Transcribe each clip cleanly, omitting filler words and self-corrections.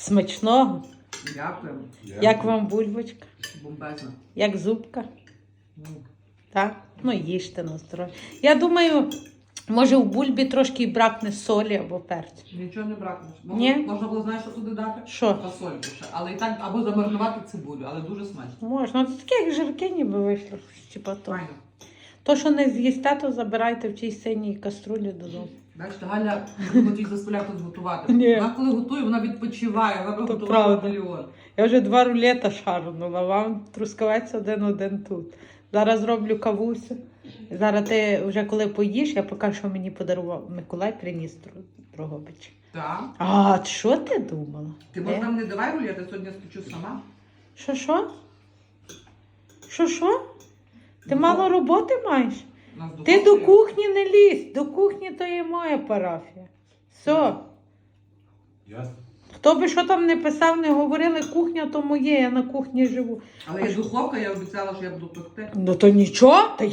Смачного. Дякую. Як вам бульбочка? Бомбезно. Як зубка? Так? Ну, їжте на здоров'я. Я думаю, може в бульбі трошки бракне солі або перцю. Нічого не бракне. Ні? Можна було, знаєш, що туди дати? Що? Фасольку ще. Але і так, або замаринувати цибулю, але дуже смачно. Можна. Це таке, як жирки ніби вийшло. Типа то. Файно. То, що не з'їсте, то забирайте в тій синій каструлі додому. Бачите, Галя не хотів заставляти тут готувати. Ні. Вона коли готує, вона відпочиває, вона То готувала правда. мільйон. Я вже 2 рулета шарнула, вам трускавець один тут. Зараз роблю кавусю. Зараз ти вже коли поїш, я покажу, що мені подарував Миколай, приніс Дрогобич. Так. А що ти думала? Ти може нам не давай рулет, я сьогодні спечу сама. Що? Що? Ти мало роботи маєш? У нас Ти духовка до є. кухні не лізь, до кухні то є моя парафія. Все. Ясно. Хто би що там не писав, не говорили, кухня то моє, я на кухні живу. Але є духовка, я обіцяла, що я буду пекти. Ну то нічого, та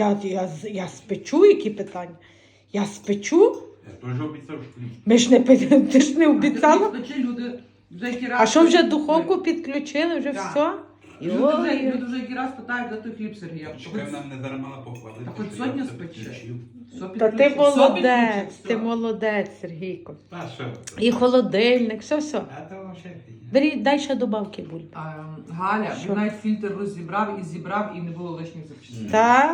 я спечу, які питання. Я спечу. Я теж обіцяв, що хліб. Ми ж не ти ж не обіцяла. Печи, люди вже які раз... А що вже духовку підключили, вже Так. все? Люди вже які раз питають, де той хліб, Сергія. Чекай, нам не дарма похвалити. Та хоч що сьогодні я все спече. підключив. Та ти молодець, ти молодець, Сергійко. Та що? І холодильник, все. А то взагалі. Бери, дай ще добавки бульби. Галя, Що? він навіть фільтр розібрав і зібрав, і не було лишніх запчастин.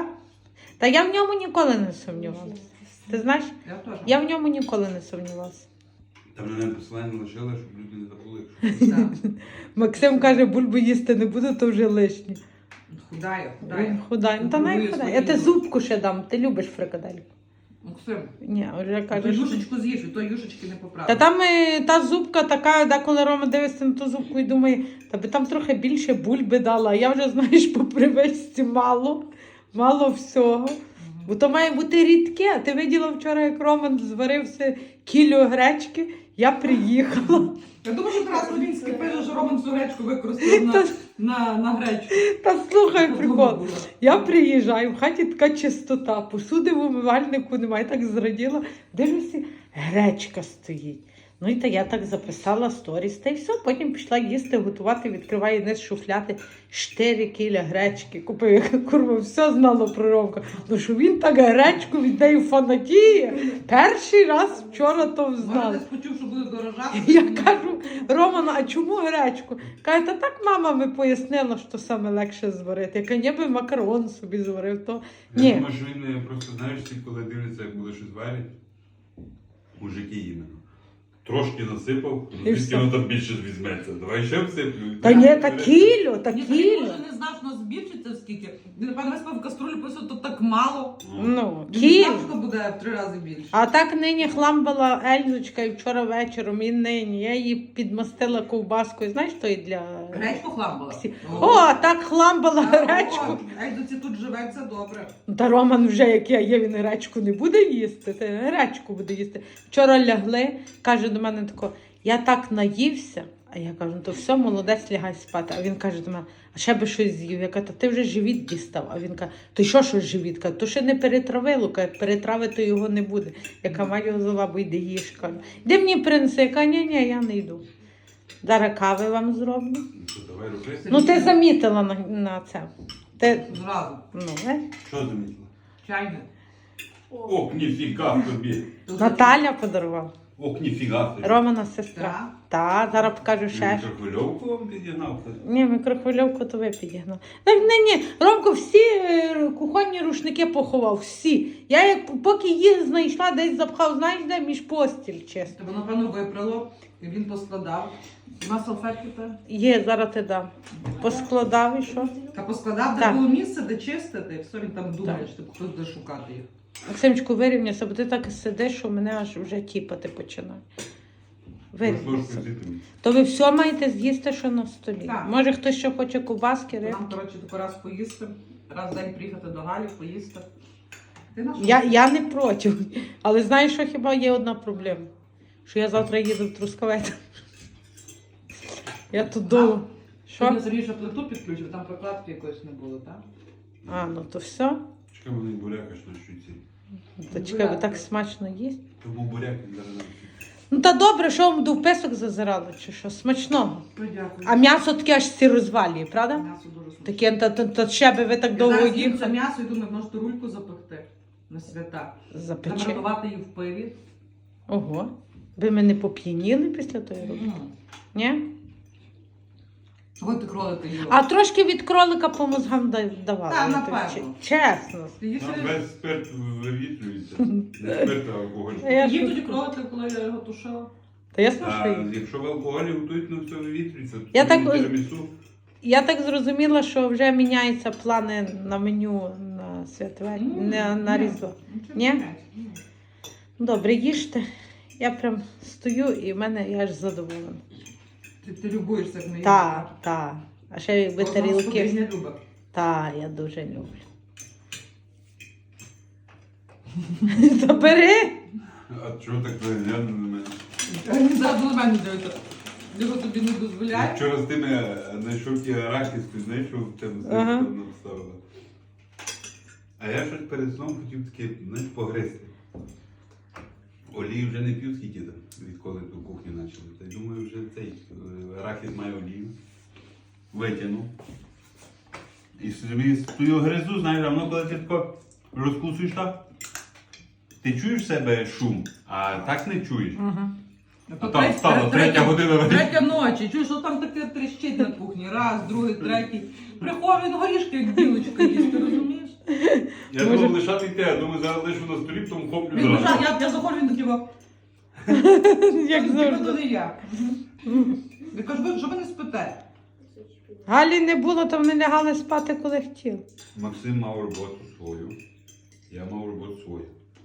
Та я в ньому ніколи не сумнівалася. Ти знаєш, Я теж. я в ньому ніколи не сумнівалася. Там мене посилання лишили, щоб люди не забули. якщо- Так. Максим каже, бульбу їсти не буду, то вже лишнє. Худає. Він худай. Ну, та Контролює най худай. свої Я ти люди. зубку ще дам. Ти любиш фрикадельку? Максим, Ні, вже ту кажеш. юшечку з'їж, і то юшечки не Та поправиш. там та зубка така, деколи Рома дивиться на ту зубку і думає, та би там трохи більше бульби дала. А я вже, знаєш, по привичці мало всього. Бо то має бути рідке. А ти виділа вчора, як Роман зварився кілю гречки, я приїхала. Я думаю, що Тарас Левінський пише, що Роман всю гречку використав на гречку. Та слухай прикол. Було. Я приїжджаю, в хаті така чистота, посуди в умивальнику немає, так зраділа. Дивлюся, гречка стоїть. Ну і та я так записала сторіс, та й все, потім пішла їсти, готувати, відкриваю низ шуфляти, 4 кіля гречки купив, курва, все знало про Ромка. Ну що він так гречку від неї фанатіє. Перший раз вчора то Може, взнала. десь почув, що буде дорожати. Я кажу, Романа, а чому гречку? Каже, та так мама ми пояснила, що саме легше зварити. Я кажу, ніби макарон собі зварив, то Я ні. думаю, що він просто, знаєш, всі, коли дивляться, як буде щось варять, мужики іменно. Трошки насипав, І звідки все. воно там більше візьметься. Давай ще всиплю. Та ні, та кілю, та Ні, кілю. може не знав, що нас збільшиться скільки. Він, напевно, весь в каструлю писав, то так мало. Ну, Він не кілю. знав, що буде в 3 рази більше. А так нині хламбала Ельзочка і вчора вечором, і нині. Я її підмастила ковбаскою. Знаєш, то і для... Гречку хламбала. О, так хламбала гречку. Ейдоці тут живеться добре. Та Роман вже, як я є, він гречку не буде їсти, ти гречку буде їсти. Вчора лягли, каже до мене тако, я так наївся, а я кажу, ну то все, молодець, лягай спати. А він каже до мене, а ще би щось з'їв. Я кажу, та ти вже живіт дістав. А він каже, то що живіт? Каже, то ще не перетравило, каже, перетравити його не буде. Я кажу, маю його за лабу, йди їж. Кажу, де мені принеси? Я кажу, ні, я не йду. Зараз кави вам зроблю. Ну що, давай роби. Ну ти замітила на це. Ти, Зразу. Що замітила? Чайник. Ох, ніфіга тобі. Тут Наталя подарувала. Ох, ніфіга тобі. Романа сестра. Так. Та, зараз покажу ще. Мікрохвильовку вам підігнав? Ні, мікрохвильовку то ви підігнав. Так ні, Ромко всі кухонні рушники поховав, всі. Я як поки їх знайшла, десь запхав, знаєш де, між постіль чисто. Тебе, напевно, випрало, і він поскладав. Нема салфетки та? Є, зараз ти дам. Поскладав і що? Та поскладав, де Так. було місце, де чистити, і все, він там думає, Так. що типу, хтось буде шукати їх. Максимчику, вирівняйся, бо ти так і сидиш, що мене аж вже тіпати починає. Вирівняйся. То ви все маєте з'їсти, що на столі. Так. Може хтось ще хоче ковбаски, рибки? Нам, коротше, тако раз поїсти, раз в день приїхати до Галі, поїсти. Ти на що? Я не проти. Але знаєш, що хіба є одна проблема? Що я завтра їду в Трускавець. Я тут довго. Сьогодні Що? Сергій ще плиту підключив, там прокладки якоїсь не було, так? А, ну то все. Чекай, вони буряка ж на щуці. То чекай, ви так смачно їсть. То був буряк, він зараз нам. Ну та добре, що вам до вписок зазирало, чи що? Смачного. Подякую. А м'ясо таке аж всі розвалює, правда? М'ясо дуже смачне. Таке, та ще би ви так Я довго зараз їм це їхали. м'ясо і думаю, може рульку запекти на свята. Запече. Замаринувати її в пиві. Ого. Ви мене поп'яніли після тої роботи? Ні? Чого ти кролики їла? А трошки від кролика по мозгам давали. Так, я напевно. тобі чесно. Ти їв Там собі- весь спирт вивітрюється. Не спирт, а алкоголь. Я їв ж- тоді кролики, коли я його тушила. Та ясно, що А їм. якщо в алкоголі готують, ну все вивітрюється. Я так- Тирамісу. Я так зрозуміла, що вже міняються плани на меню на святвечір, на Різдво. Нічого Ні? не міняється. Ні. Добре, їжте. Я прям стою і в мене я аж задоволена. Ти любуєшся, як ми їмо. Так. А ще якби Кожна тарілки. господиня любить. Так, я дуже люблю. Та бери. А чого так глянули на мене? Він зараз на мене дивиться. Його тобі не Я дозволяє. вчора з тими знайшов ті арахіс, ти знаєш, що в тебе Ага. вставила. А я щось перед сном хотів таке, знаєш, погризти. Олії вже не п'ю скільки там, відколи ту кухню почали. Та й думаю, вже цей арахіс має олію. Витягнув. І собі стою гризу, знаєш, а воно коли ти тако розкусуєш так, ти чуєш в себе шум, а так не чуєш. А там стало, третя година. Третя ночі. Чуєш, що там таке тріщить на кухні. Раз, другий, третій. Приходить він горішки, як білочка їсть, ти розумієш? Я думав лишати йти, а думаю, зараз лишу на столі, потім хоплю Він зразу. лежав, я заходжу, він такий, Як то завжди. не я. Я кажу, ви що ви не спите? Галі не було, то вони лягали спати, коли хотіли. Максим мав роботу свою, я мав роботу свою.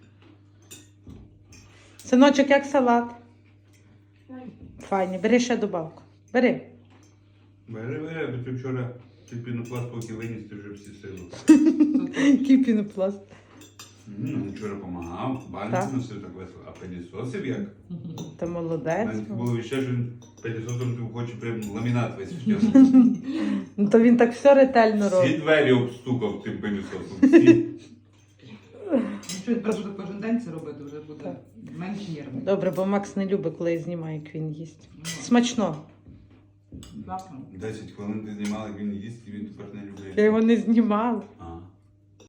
Синочок, як салат? Файні, бери ще добавку. Бери. Бери, бо ти вчора ти пінопласт поки виніс, ти вже всі сили. Який пінопласт. Вчора допомагав, Так. банки носив так весело, а пилісосив як? Ти молодець. Навіть було ще, що він пилісосом ти хоче прям ламінат весь втягнув. Ну то він так все ретельно Всі робить. двері обстукав тим пилісосом. Всі. Що він треба буде кожен день це робити, вже буде менш нервний. Добре, бо Макс не любить, коли я знімаю, як він їсть. Смачно. Класно. 10 хвилин ти знімала, як він їсть, і він тепер не Я любить. його не знімала. А.